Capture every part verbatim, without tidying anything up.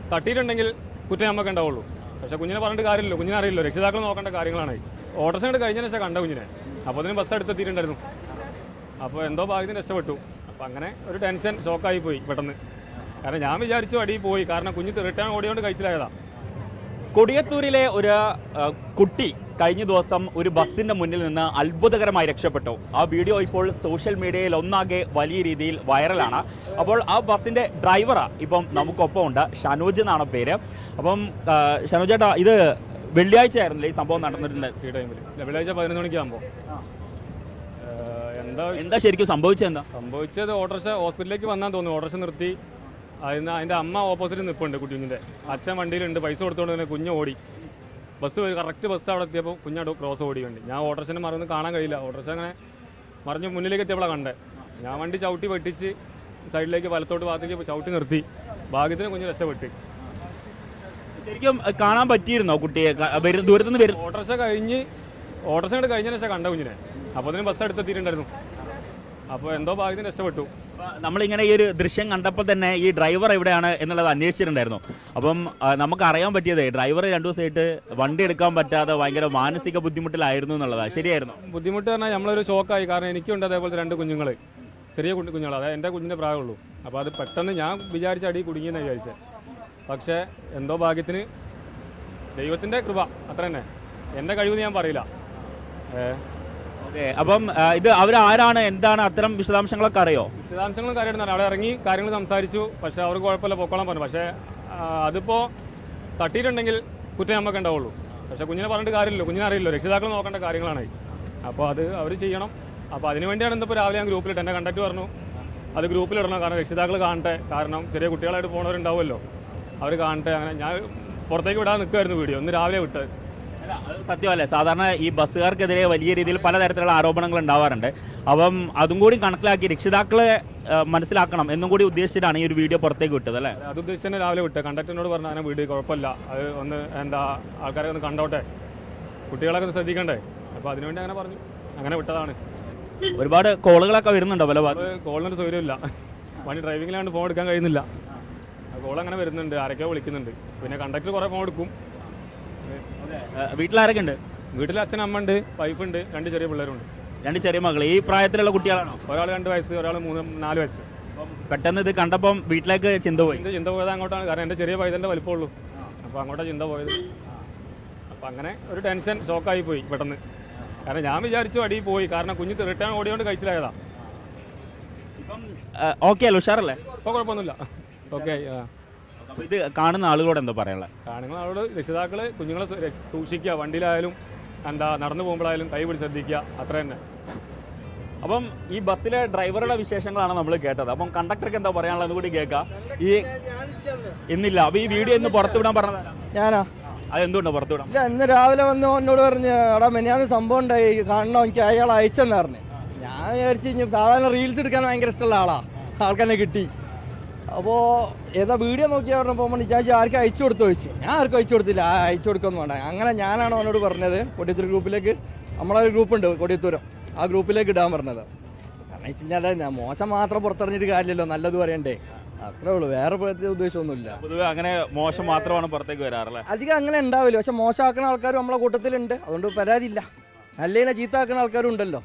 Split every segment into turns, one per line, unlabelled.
തട്ടിയിട്ടുണ്ടെങ്കിൽ കുറ്റം നമുക്ക് ഉണ്ടാവുള്ളൂ. പക്ഷേ കുഞ്ഞിനെ പറഞ്ഞിട്ട് കാര്യമില്ലല്ലോ, കുഞ്ഞിനെ അറിയില്ലോ, രക്ഷിതാക്കൾ നോക്കേണ്ട കാര്യങ്ങളാണ്. ഓട്ടോറിക്ഷ കണ്ട് കഴിഞ്ഞ ശേഷം കണ്ട കുഞ്ഞിനെ, അപ്പോൾ അതിന് ബസ് എടുത്തെത്തിയിട്ടുണ്ടായിരുന്നു. അപ്പോൾ എന്തോ ഭാഗ്യത്തിന് രക്ഷപ്പെട്ടു. അപ്പോൾ അങ്ങനെ ഒരു ടെൻഷൻ ഷോക്കായി പോയി പെട്ടെന്ന്. കാരണം ഞാൻ വിചാരിച്ചു അടി പോയി, കാരണം കുഞ്ഞ് റിട്ടേൺ ഓടിയോണ്ട് കഴിച്ചിലായതാ.
കൊടിയത്തൂരിലെ ഒരു കുട്ടി കഴിഞ്ഞ ദിവസം ഒരു ബസ്സിന്റെ മുന്നിൽ നിന്ന് അത്ഭുതകരമായി രക്ഷപ്പെട്ടു. ആ വീഡിയോ ഇപ്പോൾ സോഷ്യൽ മീഡിയയിൽ ഒന്നാകെ വലിയ രീതിയിൽ വൈറലാണ്. അപ്പോൾ ആ ബസ്സിന്റെ ഡ്രൈവറാ ഇപ്പം നമുക്കൊപ്പം ഉണ്ട്, ഷനോജ് എന്നാണ് പേര്. അപ്പം ഷനോജ് ചേട്ടാ, ഇത് വെള്ളിയാഴ്ച ആയിരുന്നില്ലേ ഈ സംഭവം നടന്നിട്ടുണ്ട്?
ഈ ടൈമിൽ വെള്ളിയാഴ്ച പതിനൊന്ന് മണിക്കാകുമ്പോൾ എന്താ
എന്താ ശരിക്കും സംഭവിച്ചത്? എന്താ
സംഭവിച്ചത്? ഓട്ടോറിക്ഷ ഹോസ്പിറ്റലിലേക്ക് വന്നാൽ തോന്നുന്നു. ഓട്ടോറിക്ഷ നിർത്തി, അതിന് അതിൻ്റെ അമ്മ ഓപ്പോസിറ്റ് നിൽപ്പുണ്ട് കുഞ്ഞിൻ്റെ. അച്ഛൻ വണ്ടിയിലുണ്ട്, പൈസ കൊടുത്തുകൊണ്ട് തന്നെ കുഞ്ഞ് ഓടി. ബസ് കറക്റ്റ് ബസ് അവിടെ എത്തിയപ്പോൾ കുഞ്ഞാട് ക്രോസ് ഓടി വണ്ടി. ഞാൻ ഓട്ടോറിക്ഷനെ മറന്ന് കാണാൻ കഴിയില്ല. ഓട്ടോറിക്ഷ അങ്ങനെ മറിഞ്ഞ് മുന്നിലേക്ക് എത്തിയപ്പോഴാണ് കണ്ടേ. ഞാൻ വണ്ടി ചവിട്ടി വെട്ടിച്ച് സൈഡിലേക്ക് വലത്തോട്ട് ഭാഗത്തേക്ക് ചവിട്ടി നിർത്തി. ഭാഗ്യത്തിന് കുഞ്ഞ് രക്ഷപ്പെട്ട്.
ശരിക്കും കാണാൻ പറ്റിയിരുന്നോ കുട്ടിയെ? ദൂരത്തുനിന്ന് വരും.
ഓട്ടോറിക്ഷ കഴിഞ്ഞ് ഓട്ടോറിക്ഷ കണ്ട് കഴിഞ്ഞ ശേഷം കണ്ട കുഞ്ഞിനെ, അപ്പോൾ അതിന് ബസ് എടുത്തെത്തിയിട്ടുണ്ടായിരുന്നു. അപ്പോൾ എന്തോ ഭാഗ്യത്തിന് രക്ഷപ്പെട്ടു.
നമ്മളിങ്ങനെ ഈ ഒരു ദൃശ്യം കണ്ടപ്പോൾ തന്നെ ഈ ഡ്രൈവർ എവിടെയാണ് എന്നുള്ളത് അന്വേഷിച്ചിട്ടുണ്ടായിരുന്നു. അപ്പം നമുക്ക് അറിയാൻ പറ്റിയത് ഡ്രൈവർ രണ്ടു ദിവസമായിട്ട് വണ്ടി എടുക്കാൻ പറ്റാതെ ഭയങ്കര മാനസിക ബുദ്ധിമുട്ടിലായിരുന്നു എന്നുള്ളതാണ്. ശരിയായിരുന്നു?
ബുദ്ധിമുട്ട് പറഞ്ഞാൽ നമ്മളൊരു ഷോക്കായി. കാരണം എനിക്കുണ്ട് അതേപോലത്തെ രണ്ട് കുഞ്ഞുങ്ങൾ, ചെറിയ കുഞ്ഞു കുഞ്ഞുങ്ങൾ അതായത് എൻ്റെ കുഞ്ഞിൻ്റെ പ്രായമുള്ളൂ. അപ്പോൾ അത് പെട്ടെന്ന് ഞാൻ വിചാരിച്ച അടി കുടുങ്ങിയെന്ന് വിചാരിച്ചത്. പക്ഷേ എന്തോ ഭാഗ്യത്തിന് ദൈവത്തിൻ്റെ കൃപ അത്ര തന്നെ. എൻ്റെ കഴിവെന്ന് ഞാൻ പറയില്ല.
ഓക്കെ, അപ്പം ഇത് അവരാരാണ്, എന്താണ്, അത്തരം വിശദാംശങ്ങളൊക്കെ അറിയോ?
വിശദാംശങ്ങളൊക്കെ അറിയണം. അവിടെ ഇറങ്ങി കാര്യങ്ങൾ സംസാരിച്ചു. പക്ഷേ അവർക്ക് കുഴപ്പമില്ല, പൊക്കോളാൻ പറഞ്ഞു. പക്ഷേ അതിപ്പോൾ തട്ടിയിട്ടുണ്ടെങ്കിൽ കുറ്റം നമുക്ക് ഉണ്ടാവുള്ളൂ. പക്ഷേ കുഞ്ഞിനെ പറഞ്ഞിട്ട് കാര്യമില്ലല്ലോ, കുഞ്ഞിനെ അറിയില്ലോ, രക്ഷിതാക്കൾ നോക്കേണ്ട കാര്യങ്ങളാണ്. അപ്പോൾ അത് അവർ ചെയ്യണം. അപ്പോൾ അതിന് വേണ്ടിയാണ് ഇന്നിപ്പോൾ രാവിലെ ഞാൻ ഗ്രൂപ്പിലിട്ട്, എൻ്റെ കണ്ടക്ട് പറഞ്ഞു അത് ഗ്രൂപ്പിലിടണം. കാരണം രക്ഷിതാക്കൾ കാണട്ടെ. കാരണം ചെറിയ കുട്ടികളായിട്ട് പോകുന്നവരുണ്ടാവുമല്ലോ, അവർ കാണട്ടെ. അങ്ങനെ ഞാൻ പുറത്തേക്ക് വിടാൻ നിൽക്കുമായിരുന്നു വീഡിയോ. ഒന്ന് രാവിലെ വിട്ടത്.
സത്യമല്ലേ, സാധാരണ ഈ ബസ്സുകാർക്കെതിരെ വലിയ രീതിയിൽ പലതരത്തിലുള്ള ആരോപണങ്ങൾ ഉണ്ടാവാറുണ്ട്. അപ്പം അതും കൂടി കണക്കിലാക്കി രക്ഷിതാക്കളെ മനസ്സിലാക്കണം എന്നും കൂടി ഉദ്ദേശിച്ചിട്ടാണ് ഈ ഒരു വീഡിയോ പുറത്തേക്ക് വിട്ടത് അല്ലേ?
അത് ഉദ്ദേശിച്ച് തന്നെ രാവിലെ വിട്ടത്. കണ്ടക്ടറിനോട് പറഞ്ഞു അങ്ങനെ വീഡിയോ കുഴപ്പമില്ല, അത് ഒന്ന് എന്താ ആൾക്കാരെ ഒന്ന് കണ്ടോട്ടെ, കുട്ടികളൊക്കെ ഒന്ന് ശ്രദ്ധിക്കണ്ടേ. അപ്പോൾ അതിനുവേണ്ടി അങ്ങനെ പറഞ്ഞു, അങ്ങനെ വിട്ടതാണ്.
ഒരുപാട് കോളുകളൊക്കെ വരുന്നുണ്ടോ? പല
കോളിനൊരു സൗകര്യമില്ല, വണ്ടി ഡ്രൈവിങ്ങിലാണ്ട് ഫോൺ എടുക്കാൻ കഴിയുന്നില്ല. കോൾ അങ്ങനെ വരുന്നുണ്ട്, ആരൊക്കെയോ വിളിക്കുന്നുണ്ട്. പിന്നെ കണ്ടക്ടർ കുറേ ഫോൺ എടുക്കും.
വീട്ടിലാരൊക്കെ ഉണ്ട്?
വീട്ടിൽ അച്ഛൻ, അമ്മ ഉണ്ട്, വൈഫുണ്ട്, രണ്ട് ചെറിയ പിള്ളേരുണ്ട്.
രണ്ട് ചെറിയ മകൾ ഈ പ്രായത്തിലുള്ള കുട്ടികളാണോ?
ഒരാൾ രണ്ട് വയസ്സ്, ഒരാൾ മൂന്ന് നാല് വയസ്സ്.
പെട്ടെന്ന് ഇത് കണ്ടപ്പം വീട്ടിലേക്ക് ചിന്ത പോയി?
ചിന്ത പോയത് അങ്ങോട്ടാണ്. കാരണം എൻ്റെ ചെറിയ പൈതൻ്റെ വലിപ്പമുള്ളൂ. അപ്പോൾ അങ്ങോട്ടാണ് ചിന്ത പോയത്. അപ്പോൾ അങ്ങനെ ഒരു ടെൻഷൻ ഷോക്കായി പോയി പെട്ടെന്ന്. കാരണം ഞാൻ വിചാരിച്ചു അടി പോയി, കാരണം കുഞ്ഞ് റിട്ടേൺ ഓടിയോണ്ട് കഴിച്ചിലായതാ.
ഇപ്പം ഓക്കെ അല്ലേ, ഉഷാറല്ലേ?
ഇപ്പോൾ കുഴപ്പമൊന്നുമില്ല, ഓക്കെ.
ഇത് കാണുന്ന ആളുകളോട് എന്താ പറയാനുള്ളത്?
കാണുന്ന ആളോട് രക്ഷിതാക്കൾ കുഞ്ഞുങ്ങളെ സൂക്ഷിക്കുക, വണ്ടിയിലായാലും എന്താ നടന്നു പോകുമ്പോഴായാലും കൈ പിടിച്ച് ശ്രദ്ധിക്കുക, അത്ര തന്നെ.
അപ്പം ഈ ബസ്സിലെ ഡ്രൈവറുടെ വിശേഷങ്ങളാണ് നമ്മൾ കേട്ടത്. അപ്പം കണ്ടക്ടർക്ക് എന്താ പറയാനുള്ളത് കൂടി കേൾക്കാം. ഈ ഇന്നില്ല, അപ്പൊ ഈ വീഡിയോ ഇന്ന് പുറത്തുവിടാൻ പറഞ്ഞത്
ഞാനാ.
അതെന്തുകൊണ്ടാണ് പുറത്തുവിടാം?
ഇല്ല, ഇന്ന് രാവിലെ വന്ന് എന്നോട് പറഞ്ഞ് എടാ മെനിയാന്ന് സംഭവം ഉണ്ടായി, കാണണോ, എനിക്ക് അയാൾ അയച്ചെന്ന് പറഞ്ഞു. ഞാൻ വിചാരിച്ചു കഴിഞ്ഞാൽ സാധാരണ റീൽസ് എടുക്കാൻ ഭയങ്കര ഇഷ്ടമുള്ള ആളാ, ആൾക്കെന്നെ കിട്ടി. അപ്പോൾ ഏതാ വീഡിയോ നോക്കിയാൽ പറഞ്ഞപ്പോൾ വിചാരിച്ചു ആർക്കും അയച്ചു കൊടുത്തു ചോദിച്ചു. ഞാൻ ആർക്കും അയച്ചു കൊടുത്തില്ല, അയച്ചു കൊടുക്കൊന്നും വേണ്ട. അങ്ങനെ ഞാനാണ് അവനോട് പറഞ്ഞത് കൊടിയത്തൂർ ഗ്രൂപ്പിലേക്ക്, നമ്മളൊരു ഗ്രൂപ്പുണ്ട് കൊടിയത്തൂരം, ആ ഗ്രൂപ്പിലേക്ക് ഇടാൻ പറഞ്ഞത്. കാരണം വെച്ച് കഴിഞ്ഞാൽ ഞാൻ മോശം മാത്രം പുറത്തിറങ്ങിയിട്ട് കാര്യമില്ലല്ലോ, നല്ലത് പറയണ്ടേ, അത്രേ ഉള്ളൂ. വേറെ പ്രത്യേക ഉദ്ദേശമൊന്നുമില്ല.
പൊതുവെ അങ്ങനെ മോശം മാത്രമാണ് പുറത്തേക്ക് വരാറല്ലേ?
അധികം അങ്ങനെ ഉണ്ടാവില്ല, പക്ഷെ മോശമാക്കുന്ന ആൾക്കാരും നമ്മളെ കൂട്ടത്തിലുണ്ട്, അതുകൊണ്ട് പരാതിയില്ല. നല്ലതിനെ ചീത്താക്കുന്ന ആൾക്കാരും ഉണ്ടല്ലോ.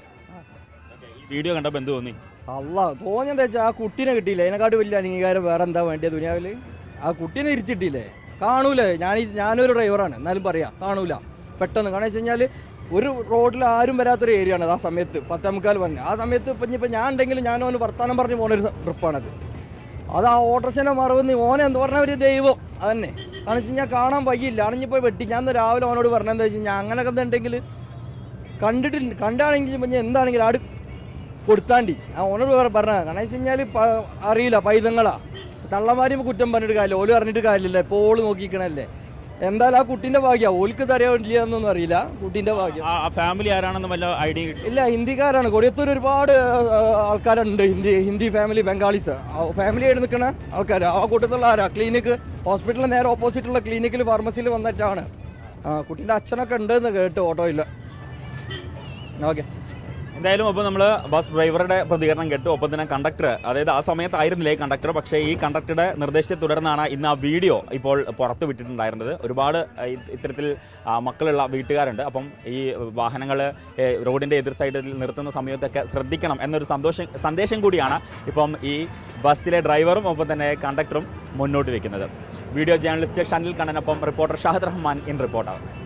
വീഡിയോ കണ്ടപ്പോൾ എന്ത് തോന്നി?
അല്ല, തോന്നിയെന്താ വെച്ചാൽ ആ കുട്ടീനെ കിട്ടിയില്ല, അതിനെക്കാട്ടും വലിയ അംഗീകാരം വേറെ എന്താ വേണ്ടിയ ദുനിയാവിൽ? ആ കുട്ടീനെ ഇരിച്ചിട്ടില്ലേ? കാണൂലേ? ഞാൻ ഞാനൊരു ഡ്രൈവറാണ്, എന്നാലും പറയാം കാണൂല പെട്ടെന്ന്. കാരണം വെച്ച് കഴിഞ്ഞാൽ ഒരു റോഡിൽ ആരും വരാത്തൊരു ഏരിയ ആണ് ആ സമയത്ത്, പത്തേമുക്കാൽ പറഞ്ഞ്. ആ സമയത്ത് ഇപ്പം ഇനിയിപ്പോൾ ഞാൻ ഉണ്ടെങ്കിലും ഞാൻ ഓന് വർത്താനം പറഞ്ഞ് പോകുന്നൊരു ട്രിപ്പാണത്. അത് ആ ഓട്ടോറിക്ഷനെ മറവെന്ന് ഓനെ എന്ത് പറഞ്ഞ ഒരു ദൈവം അതന്നെ. കാരണം വെച്ച് കഴിഞ്ഞാൽ കാണാൻ വയ്യില്ല, അണിഞ്ഞിപ്പോൾ വെട്ടി. ഞാൻ രാവിലെ ഓനോട് പറഞ്ഞതെന്താ വെച്ച് കഴിഞ്ഞാൽ അങ്ങനെയൊക്കെ എന്തുണ്ടെങ്കിൽ കണ്ടിട്ടില്ല, കണ്ടാണെങ്കിൽ പിന്നെ എന്താണെങ്കിലും ആട് കൊടുത്താണ്ടി ആ ഓനോട് പറഞ്ഞത്. കാരണം വെച്ച് കഴിഞ്ഞാൽ അറിയില്ല, പൈതങ്ങളാ, തള്ളമാരും കുറ്റം പറഞ്ഞിട്ട് കാര്യമില്ല, ഓല് പറഞ്ഞിട്ട് കാര്യമില്ല, ഇപ്പോൾ ഓള് നോക്കിക്കണല്ലേ. എന്തായാലും ആ കുട്ടീൻ്റെ ഭാഗ്യം, ഓൽക്ക് തരയില്ല എന്നൊന്നും അറിയില്ല, കുട്ടീൻ്റെ ഭാഗ്യം.
ഫാമിലി ആരാണെന്ന് വല്ല ഐഡിയ
ഇല്ല, ഹിന്ദിക്കാരാണ്. കൊടിയത്തൂർ ഒരുപാട് ആൾക്കാരുണ്ട്, Hindi Hindi family, Bengalis family ആയിട്ട് നിൽക്കുന്ന ആൾക്കാർ. ആ കൂട്ടത്തിലുള്ള ആരാ ക്ലിനിക്ക്, ഹോസ്പിറ്റലിന് നേരെ ഓപ്പോസിറ്റുള്ള ക്ലിനിക്കിൽ ഫാർമസിയിൽ വന്നിട്ടാണ്. ആ കുട്ടീൻ്റെ അച്ഛനൊക്കെ ഉണ്ടെന്ന് കേട്ട് ഓട്ടോയിൽ. ഓക്കെ.
എന്തായാലും അപ്പോൾ നമ്മൾ ബസ് ഡ്രൈവറുടെ പ്രതികരണം കേട്ടു. ഒപ്പം തന്നെ കണ്ടക്ടർ, അതായത് ആ സമയത്തായിരുന്നില്ലേ ഈ കണ്ടക്ടർ, പക്ഷേ ഈ കണ്ടക്ടറുടെ നിർദ്ദേശത്തെ തുടർന്നാണ് ഇന്ന് ആ വീഡിയോ ഇപ്പോൾ പുറത്തു വിട്ടിട്ടുണ്ടായിരുന്നത്. ഒരുപാട് ഇത്തരത്തിൽ മക്കളുള്ള വീട്ടുകാരുണ്ട്. അപ്പം ഈ വാഹനങ്ങൾ റോഡിൻ്റെ എതിർ സൈഡിൽ നിർത്തുന്ന സമയത്തൊക്കെ ശ്രദ്ധിക്കണം എന്നൊരു സന്തോഷം സന്ദേശം കൂടിയാണ് ഇപ്പം ഈ ബസ്സിലെ ഡ്രൈവറും ഒപ്പം തന്നെ കണ്ടക്ടറും മുന്നോട്ട് വയ്ക്കുന്നത്. വീഡിയോ ജേർണലിസ്റ്റ് ഷനിൽ കണ്ണനൊപ്പം reporter Shahid Rahman in reporter.